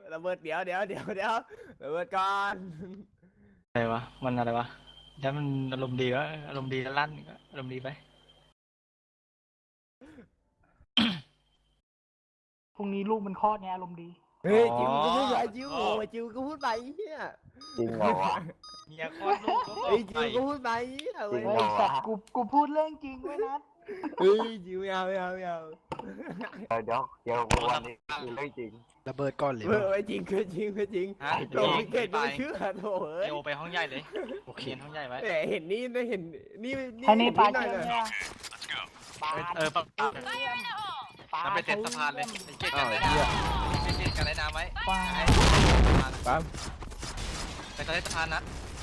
ระเบิดเดี๋ยวระเบิดก่อนอะไรวะมันอะไรวะถ้ามันอารมณ์ดีก็อารมณ์ดีแล้วลั่นก็อารมณ์ดีไปพรุ่งนี้ลูกมันคลอดไงอารมณ์ดีเฮ้ยจิวก็พูดไปจิวโอ้ยจิวก็พูดไปเฮียจริงเหรอวะเมียคลอดลูกก็บอเฮ้ยกจิไปวก็พูดไปเฮียเว้ยจริงเฮ้เหรยอสัตว์กูพูดเรื่องจริงไว้นะเฮ้ยจิวไม่เอาเดี๋ยววันนี้คือเรื่องจริงระเบิดก่อนเลยเฮ้ยไม่จริงคือจริงฮะโดนพิเกตไม่เชื่อโถ่เอ้ยโอไปห้องใหญ่เลยโอเคเรียนห้องใหญ่ไว้แต่เห็นนี่ได้เห็นนี่ให้นี่ปลาหน่อยเชื่อมเลยเนี่ยปลาปะปลาแล้วไปเต็นสะพานเลยไปเก็บกันได้น้ำไปเก็บกันได้น้ำไว้ปลาปั๊มไปเต็นสะพานนะ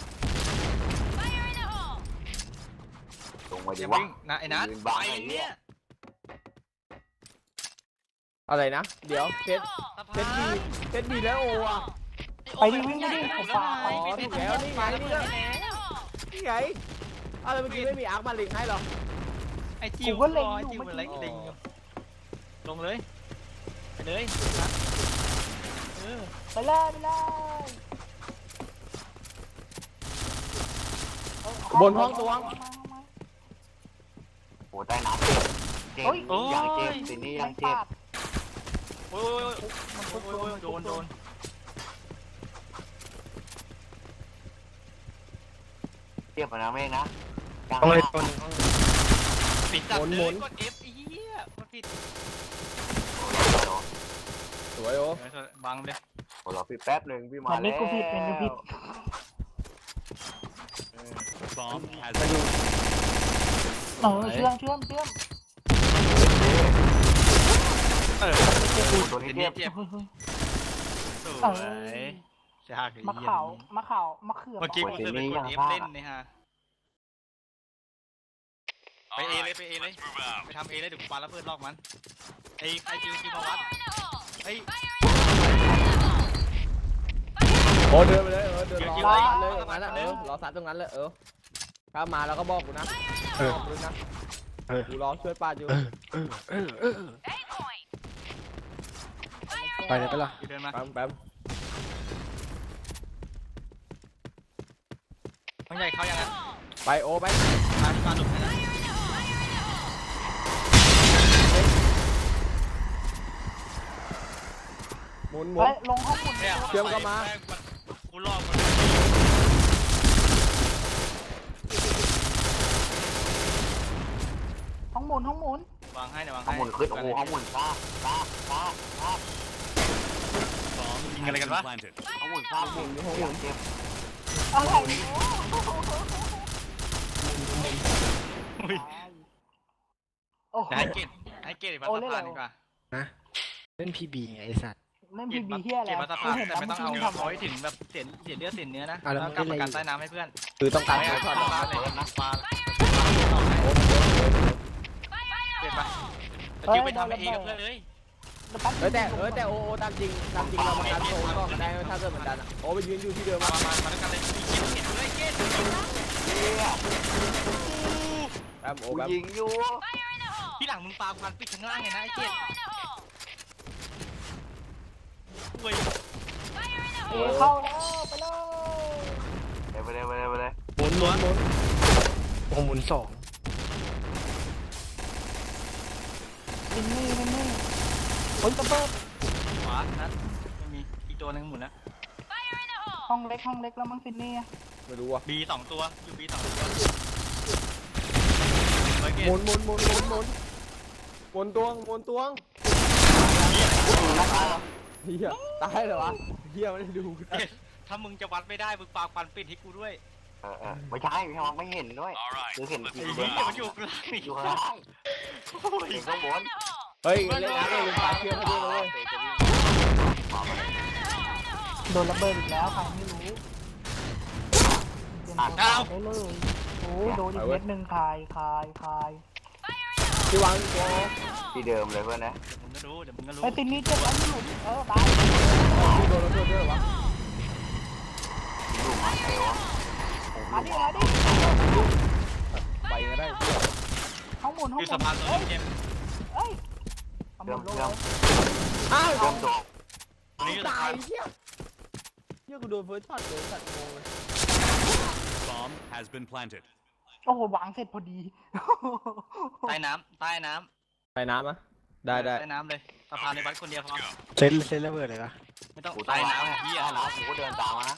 ตรงมาอดีย่าว่าวิ่งนะไอ้นัทไปเนี่ยอะไรนะเดี๋ยวเพชรสะเพพาชรดีนเพชรดีแล้วโออ่ะไปดิวิ่งดิผมปลาอ๋อถูกแล้วนี่ไงนี่ก็นี่ไงอะไรเมื่อกี้ไม่มีอาร์คมาลิงให้หรอไอ้จิวจิวมันเล็กลิงลงเลยไปเลยนะเออไปเลยไปเลยบนห้องตวงโอ้ใต้น้ำเจ็บอย่างเจ็บทีนี้ยังเจ็บโอ้ยโดนเจ็บนะแม่นะกลางต้องเลยคนปิดจับเลยกด F อีเหี้ยกดผิดสวยโอบังเลยโอ้รอพี่แป๊บหนึ่งพี่มาอันแล้นี้วกูผิดเป็นกูผิด เชื่อมตัวนี้เจ็เจ็บบ เจ็บเฮ้ยสวยชากมะเขือเมื่อกี้กูจะไปกด F เล่นนี่ฮะไปเอเลยไปทำเอเลยเดี๋ยวกูปาระเบิดลอกมันไอ้จิวมาวัดไอ้โอ้เดินไปเลยเดินรอซัดเลยตรงนั้นรอซัดตรงนั้นเลยถ้ามาแล้วก็บอกกูนะบอกกูนะกูรอช่วยป้าอยู่ไปเลยไปละเดินมาแป๊บห้องใหญ่เข้ายังไงไปโอไปมาหลุดให้หมุนลงห้องหมุนกูลอกมันห้องหมุนวางให้เนี่ยวางห้องหมุนขึ้นโอ้โหห้องหมุนซ่ายิงอะไรกันวะห้องหมุนซ่าหมุนอย่างเจ็บอะไรโอ้โหให้เกตอีกมาสะพานดีกว่านะเล่นพีบีไงไอสัตว์เล่นพีบีเฮียอะไรเกตมาสะพานแต่ไม่ต้องเอาไว้ถึงแบบเสียเลือดเสียเนื้อนะแล้วกลับมากันใต้น้ำให้เพื่อนคือต้องการไม่ถอดเอาปลาเลยนะปลาเกตปะจิวไปทำเองกับเพื่อนเลยแต่โอตามจริงเรามาการโซนก็ได้ถ้าเกิดเหมือนกันโอไปยืนอยู่ที่เดิมมาแล้วกันเลยเกตเลยเกตแป๊บโอแป๊บยิงอยู่ที่หลังมึงปาควันปิดข้างล่างไงนะไอ้เกตเว้ยเข้าแล้วไปเลยไปเลยหมุนโอ้หมุนสองนี่โอ้ยระเบิดขวานัดไม่มีอีกตัวนึงหมุนนะห้องเล็กแล้วมั้งฟินนี่ไม่รู้ว่ะ B 2 ตัวอยู่ B 2 ตัวหมุนตวงเฮียตายเหรอวะเฮียไม่ได้ดูถ้ามึงจะวัดไม่ได้มึงปาควันปิดให้กูด้วยไม่ใช่ไม่เห็นด้วยคือเห็นไอ้ทีเหี้เดียยว มันอยู่กลางอีกอยู่ข้างล่างอยู่ข้างบนเฮ้ยเล่นนะเล่นปลาเคี้ยวมาด้วยเลยโดนระเบิดอีกแล้วใครไม่รู้ได้เลยโอ้โดนอีกเม็ดหนึ่งคายที่วางตัวที่เดิมเลยเพื่อนนะเดี๋ยวมึงก็รู้ไอ้ตินนี้เจ็บอันนี้หลุดตายที่โดนแล้วด้วยวะลูกมาเอวมาดิไปก็ได้ห้องหมุนคือสะพานตัวเจ็บเอ้ยห้องหมุนลงเลยอ้าวเริ่มโดนตายเหี้ยกูโดนเฟิร์สช็อตเลยสัตว์งงเลย Bomb has been planted. โอ้โหวางเสร็จพอดีใต้น้ำไปน้ำอ่ะได้ใต้น้ำเลยสะพานในวัดคนเดียวพอเซนระเบิดเลยปะไม่ต้องกูใต้ตายน้ำพี่พี่อ่ะอะนะกูก็เดินตามมานะ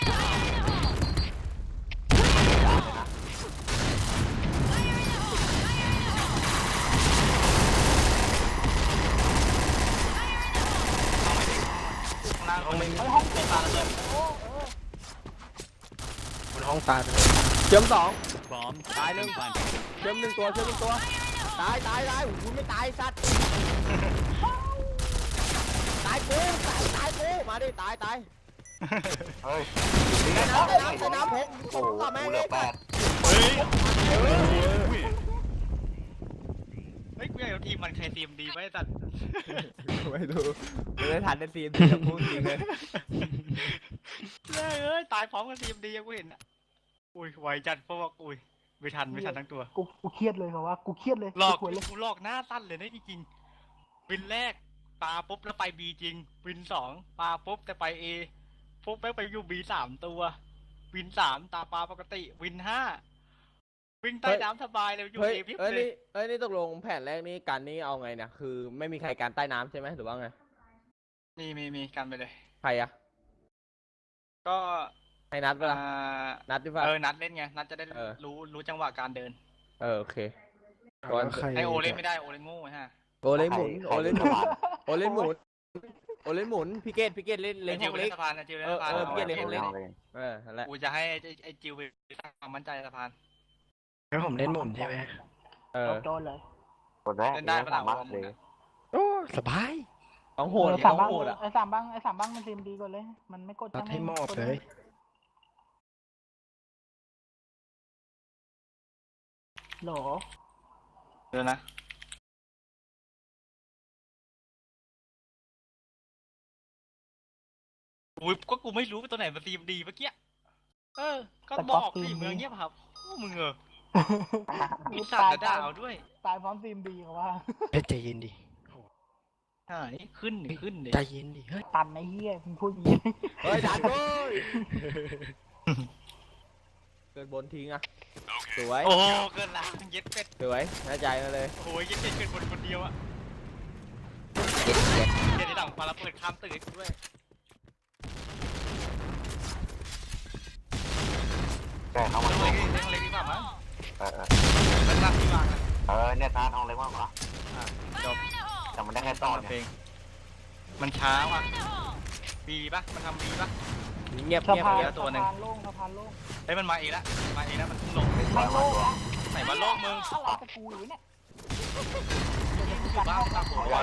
ข้างล่างไม่ไอ้ห้องเจ็บปาระเบิดบนห้องตายไปเลยเชื่อมสอง Bomb Bye, has been Luke. planted. เชื่อมหนึ่งตัวตายโอ้โหไม่ตายสัตว์ตายกูมาดิตายเฮ้ยใต้น้ำเพชรโอ้โหต่อแม่งกูเหเลลือย 8 Win. เฮ้ยกูอยากเอาทีมมันใครทีมดีไว้ตัดไม่ดูไม่ได้ทันได้ซีนจะพูดจริงเลยเอ้ยตายพร้อมกันทีมดีกูเห็นอ่ะอุ้ยไวจัดเพราะว่าอุ้ยไม่ทันทั้งตัวกูเครียดเลยเขาว่ากูเครียดเลยหลอกกูเลยกูหลอกหน้าสั้นเลยนะจริงๆวินแรกปาปุ๊บแล้วไปบีจริงวินสองปาปุ๊บแต่ไปเอปุ๊บแม่งไปอยู่บี3 ตัววิน3ตาปาปกติวิน5วิ่งใต้น้ำสบายเลยอยู่เฮ้ยเอพิบเอ้ยเลยนี่ตกลงแผนแรกนี่การนี่เอาไงเนี่ยคือไม่มีใครการใต้น้ำใช่ไหมหรือว่าไงมีกันไปเลยใครอะก็ให้นัดเวลานัดดีป่ะนัดเล่นไงนัดจะได้เออรู้จังหวะการเดินโอเคแล้วใครไอโอเล่นไม่ได้โอเล่นโง่ฮะโอเล่นหมุนพี่เกตเล่นไอห้จิวองเล่เล็นกสะพานนะจิวเล่นสะพานเปลี่ยนเลยอาของเล่น นั่นแหละกูจะให้ไอจิวไปสร้างความมั่นใจสะพานแล้วผมเล่นหมุนใช่ไหมโดนเลยคนแรกเล่นได้ปะล่ะสามารถเลยโอ้สบายต้องโหดสาต้มองบ้างโหดอะไอ้สามบ้างมันทีมดีกว่าเลย มันไม่กดตัดให้มอบเลยโหลเดี๋ยวนะอุ้ยก็กูไม่รู้ว่าตัวไหนมันทีมดีเมื่อกี้ก็บอกดิเมืองเงียบครับโอ้มึงมีสัตว์ด่าเอาด้วยตายพร้อมทีมดีเขาว่าเฮ้ยใจเย็นดินี่ขึ้นดิใจเย็นดิเฮ้ยตันไอ้เหี้ยมึงพูดอย่างนี้เฮ้ยดันเว้ยเกินบนทิ้งอะสวยโอ้เกินละเย็ดเป็ดสวยน่าใจมาเลยโอ้ยเย็ดเป็ดเกินคนเดียวอะเดี๋ยวที่หลังปาระเบิดข้ามตึกด้วยแกเข้ามาเล็กดีกว่ามั้งเออมันรักที่วางอะเนี่ยทานทองเล็กมากกว่าจบแต่มันได้แค่ต้อนเพลเนี่ยงมันช้าว่ะบีปะมันทำบีปะเงียบสะเงียบพานเงียบตัวหนึ่งสะพานโล่งสะพานโล่งเฮ้ยมันมาอีกแล้วมันเพิ่งลงไม่โล่งแล้วไหนว่าโลกมึงอะไรจะกูอยู่เนี่ยอยู่บ้านตั้งหัววัด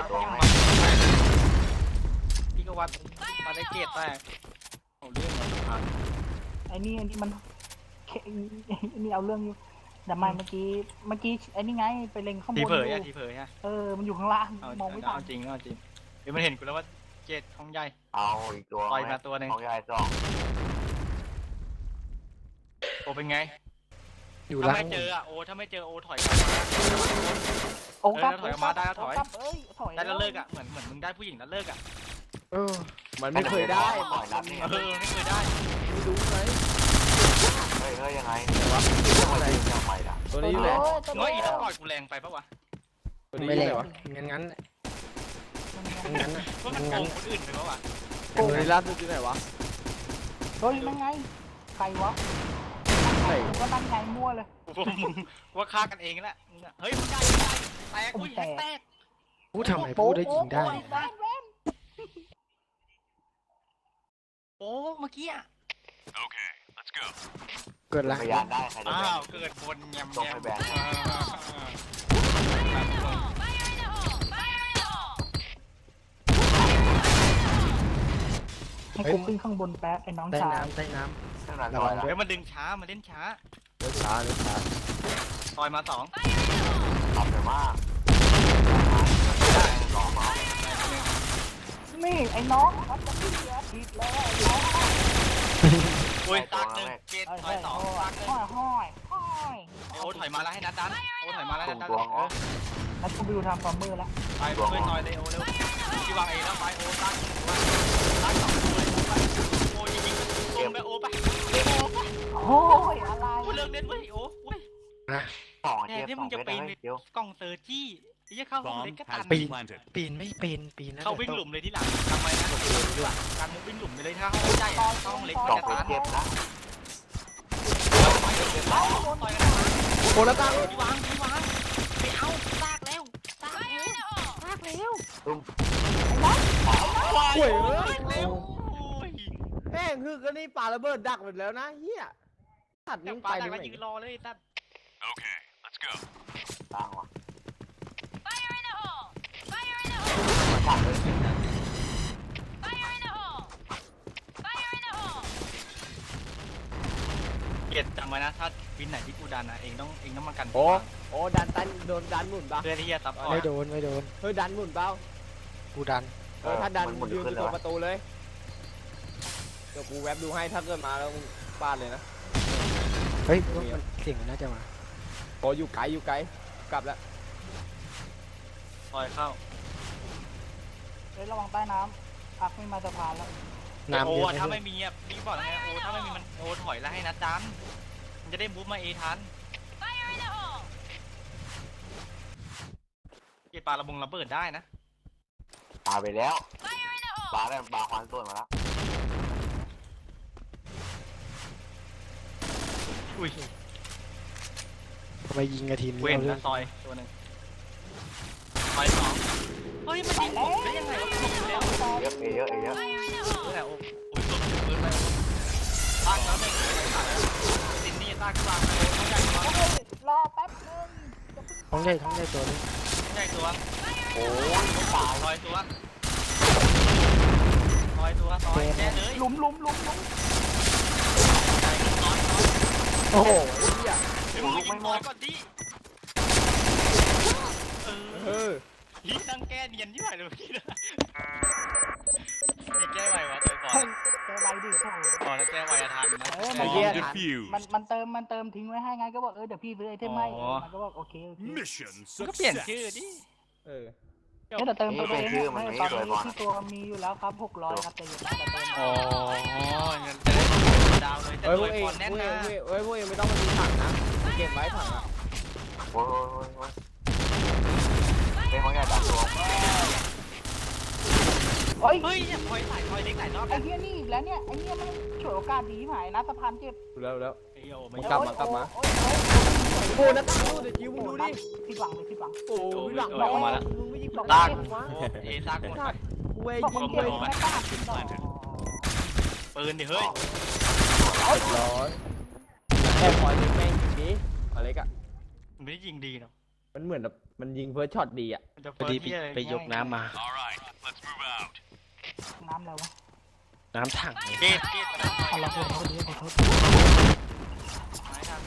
พี่ก็วัดมาได้เกตแตกเอาเรื่องมาสะพานไอ้นี่มันไอ้นี่เอาเรื่องอยู่แต่ไม่เมื่อกี้ไอ้นี่ไงไปเล็งข้างบนทีอเผยยู่อะทีเผยฮะมันอยู่ข้างล่างเอามองไม่ทันจริงเดี๋ยวมันเห็นกูแล้วว่าเกตของใหญ่เอาอีกตัวต่อยมาตัวหนึ่งของยายสองโอเป็นไงอยู่ถ้าล่างไม่เจออะถ้าไม่เจอถอยกลับมาโอ้กลับถอยออกมาได้แล้วถอยถอยได้แล้วเลิกอะเหมือนมึงได้ผู้หญิงแล้วเลิกอะมันไม่เคยได้ต่อยนัดนี่ไม่เคยได้ไม่รู้ไหมเฮ้ยยังไงแต่ว่าอะไรยังไงล่ะตัวนี้อยู่ไหนน้อยอีต้องต่อยกูแรงไปปะวะตัวนี้อไม่ยู่เลไหนยวะงั้นน่ะว่ามันโกงคนอื่นไปปะวะตัวนี้ล่าสุดอยู่ไหนวะเฮ้ยนั่งไงใครวะไหนกูก็ตั้งใจมั่วเลยมึงว่าฆ่ากันเองแหละเฮ้ยมึงได้แตกอุ้ยแตกพูดทำไมพูดได้ยิงได้โอ้เมื่อกี้อะ Okay, let's go. เกิดละพยานได้ใครจะอ้าแบ่งวเกิดบนแยมส่งให้แบงค์ให้กูขึ้นข้างบนแป๊บไอ้น้องใต้ชายน้ำใต้น้เท่านั้นต่อยละเดี๋ยวมันดึงช้ามันเล่นช้าเดี๋ยวช้าต่อยมา2 ทำแต่ว่าสองมานี่ไอ้น้องมันจะผิดแล้วผิดแล้วไอ้น้องอุ้ยตักหนึ่งเกตเฮ้ยต่อย2ตักหนึ่งห้อยโอ้ถอยมาแล้วให้นัดดันโอ้ถอยมาแล้วให้นัดดันแล้วกูไปดูทำฟอร์มเมอร์แล้วไปช่วยต่อยเลยโอ้เร็วที่วางเองแล้วไปโอ้ตักนะสองแทเจ็นบที่สมึองงจะเม็ดปีนเลยเดี๋ยวกล่องเซอร์จี้ไอ้เหี้ยเข้าห้องเล็ก Bomb ก็ตัน has been planted. ปีนไม่เป็นปีนแล้วเขาวิ่งหลุมเลยที่หลังทำไมนะการมุกวิ่งหลุมไปเลยถ้าห้องใหญ่เข้าห้องเล็กสองจะตันเจ็บนะต่อยกันโคตรตั้งที่วางไม่เอาซากแล้วซากแล้วตุ้มห่วยเร็เอ้ยวโอ้ยแม่งคือก็นี่ปาระเบิดดักหมดแล้วนะเฮียตัดแต่มึงปลาไปแต่ดิก็ไหนยืนรอเลยตัด Okay, let's go. ตางว่ะ Fire in the hole! Fire in the มาฉากเลย Fire in the hole! Fire in the hole! เกียรติจำไว้นะถ้าวินไหนที่กูดันนะเองต้องมากันโอ้ดันตันโดนดันหมุนปะเพื่อที่จะซับพอร์ไม่ตโดนไม่โดนเฮ้ยดันหมุนเปล่ากูดันถ้าดันมันหมุนยืนอขึ้นยู่เลตยรงประตูเลยเดี๋ยวกูแวบดูให้ถ้าเกิดมาแล้วมึงปาดเลยนะเฮ้ยว่ามันเสียงมันน่าจะมาโอ้อยู่ไกลกลับแล้วปล่อยเข้าเฮ้ยระวังใต้น้ำอักไม่มาสะพานแล้วน้ำโอ้เยอะถ้าไหมไม่มีอ่ะพี่บอกไงโอ้ถ้าไม่มีมันโอ้ถอยแล้วให้นัดดันมันจะได้บู๊มาเอทัน Fire in the hole! เกียรติปลาระบงระเบิดได้นะปาไปแล้ว Fire in the hole! ปาได้ปาควันส่วนมาแล้วอุ้ยทำไมยิงกระทีมเว้นี้นเอาเรื่อนะงซอยตัวหนึ่งซอยสองเฮ้ยมันยิงผมได้ยังไงวะผมอยู่แล้วเยอะเยอะเยอะ Fire in the นี่ hole! แหละโอ้ยหลุดปืนไปตากแล้วไม่ตัดซินนี่ตากกลางเลยเขาใหญ่ตัวเฮ้ยรอแป๊บนึงท้องใหญ่ตัวนี้ใหญ่ตัวโอ้ยไม่ตายซอยตัวซอยแน่เลยหลุมใจซอยโอ้โหเฮียเดี๋ยวมึงยิงซอยก่อนดิเอเอออพี่นั่งแก้เนียนที่ไหนเลยพี่นะไม่แก้ไววะตัวก่อนเฮ้ยแกไวดิโถ่ก่อนแล้วแก้ไวอะทันนะ Bomb defused. มันเติมทิ้งไว้ให้ไงก็บอกเดี๋ยวพี่ซื้อไอเทมให้มันก็บอกโอเค Mission มันก็เปลี่ยน success. ชื่อดิเออเดี๋ยวเติมตัวเองตอนนี้ที่ตัวมีอยู่แล้วครับ600ครับแต่อยู่นะแต่เติมอ๋อเงินจะได้ดาวเลยแต่เฮ้ยโดพวย กเองพรแน่นพวกเอนะงเฮ้ยพวกเองไม่ต้องมาดูถังนะเก็บไว้ถังอ่ะโอ้ยเป็นของใหญ่ดันตัวเฮ้ยเฮ้ยเนี่ยพลอยใส่พลอยเล็กใส่รอบไอ้เหี้ยนี่อีกแล้วเนี่ยไอ้เหี้ยมันฉวยโอกาสดีหายนะสะพานเจ็บแล้วไอ้โอ้ไม่กลับมาโอ้ยโอ้นะตั้งดูเดี๋ยวคิวมึงดูดิผิดหวังเลยผิดหวังโอ้ยหลังออกมาแล้วมึงไม่ยิงบอกตาว่าเอซากหมดไปกูเว้ยบอกยิมึงงเลเจ็บยไม่กล้าผิดหรอปืนดิเฮ้ยร้อยแค่พอยยิงแม่งยิงดีอะไรกะมันไม่ได้ยิงดีหรอกมันเหมือนแบบมันยิงเพื่อช็อตดีอ่ะมันจะพอดีไปยกน้ำมา All right, let's move out. น้ำแล้ววะน้ำถังเลยเกตมาเอาละคนเขาดีเขาไม่ทัน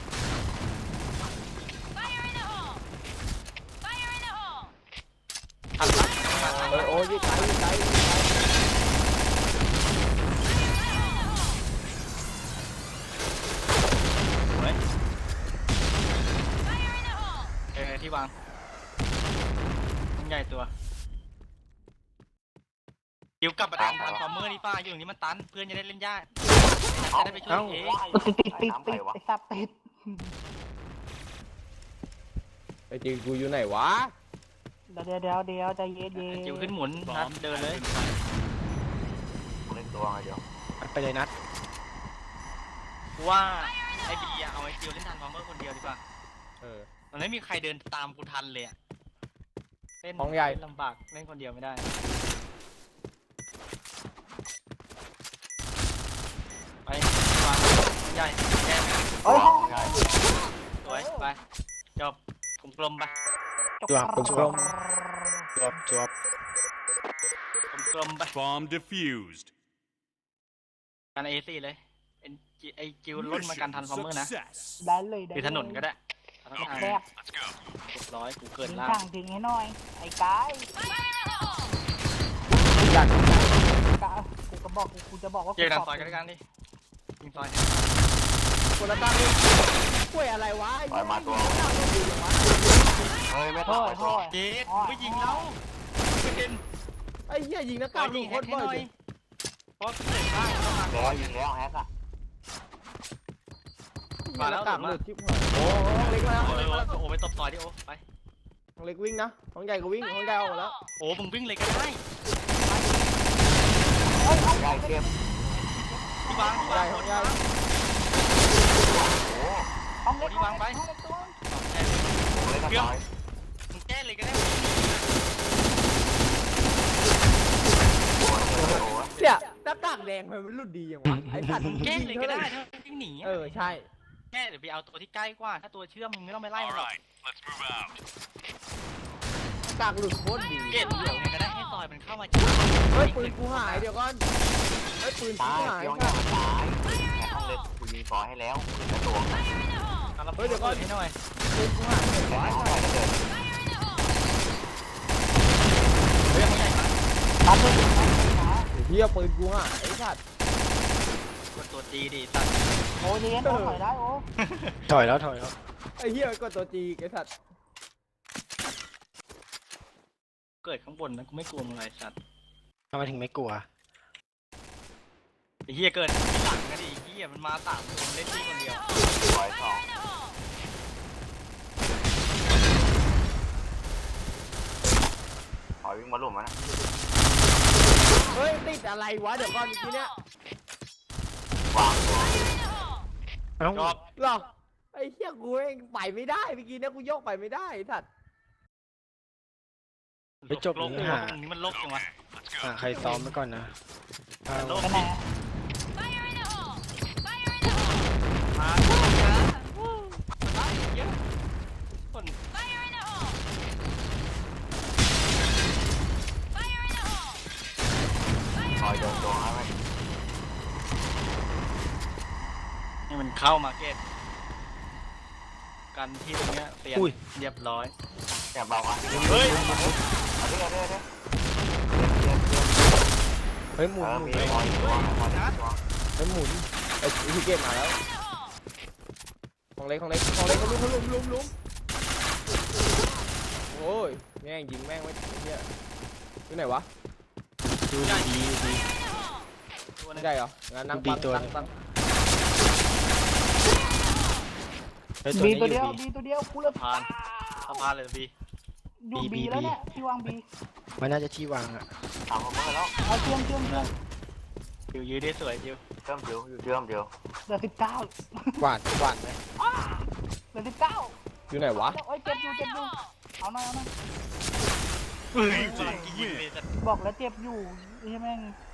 Fire in the hole! Fire in the hole! ทันทันโอ้ยยิงไกลเฮ้ย Fire in the hole! ที่วางมันใหญ่ตัวเดี๋ยวกลับมาทำฟอร์เมอร์นี่ป้าอยู่ตรงนี้มันตันเพื่อนจะได้เล่นยากจะได้ไปช่วยเองติดไอ้สับติดไอ้จริงกูอยู่ไหนวะเดี๋ยวใจเย็นจิ๋วขึ้นหมุนนัด Bomb เดิน has เลย been planted. เล่นตัวไงเดี๋ยวไปเลยนัดว่าไอ้บีอะเอาไอ้จิ๋วเล่นทันฟอร์เมอร์คนเดียวดีกว่าเออมันไม่มีใครเดินตามกูทันเลยอะเล่นของใหญ่เล่นลำบากเล่นคนเดียวไม่ได้ไปวางของใหญ่แก้มเฮ้ยใหญ่สวยไปจบกลมๆไปจวบจวบจวบกลมๆไป Bomb defused. กันเอซี่เลยไอ้จิ๋วล้นมากันทัน Mission ฟอร์เมอร์นะ success. ได้เลยคือถนนก็ได้ทางแคบ Let's go. เรียบร้อยกูเกินทิ้งล่าช่างทิ้งให้หน่อยไอ้กาย Fire in the hole! ดันกายกูจะบอกว่าเจอกันซอยกันด้วยกันดิยิงซอยคนละตั้งนี่ป่วยอะไรวะปล่อยมาตัวเฮ้ยไม่โทตายษโทษเจดไม่ยิงเราไม่เป็นไอ้เหี้ยยิงนักก็กายิยิงงแฮโคกตรให้บ่หอยน่อยเลยเพราะเกิดบ้างเข้ามาแล้วยิงแล้วแฮกอะยมาแล้วกลับหลุดชิบหายโอ้เล็กมาแล้วโอ้ไปตบต่อยดิโอ้ไปห้องเล็กวิ่งนะห้องใหญ่ก็วิ่งห้องใหญ่ออกมาแล้วโอ้มึงวิ่งเลยก็ได้ใหญ่เก็บที่วางที่ใหญ่วางห้องใหญ่โอ้ห้องเล็กที่วางไปห้องเล็กตัวผมเล่นกันน้อยมึงแก้เลยก็ได้โอ้โหเนี่ยหน้ากากแดงมันรุ่นดีอย่างวะไอ้สัตว์แก้เลยก็ได้ถ้าวิ่งหนีใช่แก้เดี๋ยวไปเอาตัวที่ใกล้กว่าถ้าตัวเชื่อมมึงไม่ต้องไปไล่ All มันหรอก right, let's move out. หน้ากากหลุดโคตรดีเกตเดี๋ยวไงก็ได้ให้ซอยมันเข้ามาจ้าเฮ้ยปืนกูหายเดี๋ยวก่อนเฮ้ยปืนกูตายหายย่องย่องตายแต่ห้องเล็กกูยิงฟอให้แล้วกระตัวเฮ้ยเดี๋ยวก่อนให้หน่อยปืนกูหายแต่ห้องใหญ่ก็เดินเฮ้ยเขาใหญ่มากตัดเลยนะเฮียปืนกูหายไอ้สัตว์กดตัวจีดิสัตว์โอ้ยเรียนโอ้ถอยได้โอ้ถอยแล้วถอยแล้วไอ้เฮียกดตัวจีไอ้สัตว์เกิดข้างบนนะกูไม่กลัวมึงไรสัตว์ทำไมถึงไม่กลัวไอ้เหี้ยเกิดที่หลังกันดิไอ้เหี้ยมันมา3 คนเล่นที่คนเดียวปล่อยสองถอยวิ่งมาหลุมมันนะเฮ้ยติดอะไรวะเดี๋ยวก่อนเมื่อกี้เนี่ยวางตัวเอ้าจอบหรอไอ้เฮียกูเองไปไม่ได้เมื่อกี้เนี่ยกูโยกไปไม่ได้ไอ้สัตว์ไปจบโลกนี้ตหารงนี้มันโลกจังวะ Let's go. หาใครซ้อมไว้ก่อนนะเอาโลกไปไหน Fire in the hole! Fire in the hole! มาเยอะมาเยอะคน Fire in the hole! Fire in the hole! ถอย Fire โด in น the ตัว hole! ให้ไหมนี่มันเข้ามาเก็ตกันที่ตรงเนี้ยเปลี่ยนเรียบร้อยแกเบาอ่ะเฮ้ยเอาดิเอาดิเอาดิเฮ้ยหมุนเออหมุมีนถอยตัวถอยตัวเฮ้ยหมุนไอ้ที่เกมมาแล้ว In the hole! ของเล็กของเล็กของเล็กเขาลุมโอ้ยแม่งยิงแม่งไว้เฮียที่ไหนวะดูดีดีตัวไม่นึงได้เหรองั้นนั่งปังตั้งเฮ้ยบีนี้ตัวเดียวอยู่บีตัวเดียวกูเลยผ่านสะพานเลยบีอยู่บีแล้วเนี่ยที่วางบีมันน่าจะที่วางอะทำผมเมื่อแล้วเอาเชื่อมจิวยืดได้สวยจิวเชื่อมเดียวเชื่อมเดียวเหลือ19 กวาดไหมเหลือ19 อยู่ไหนวะโอ้ยเจ็บอยู่เอาหน่อยเฮ้ยยิงเลยสัตว์บอกแล้วเจ็บอยู่ใช่ไหมง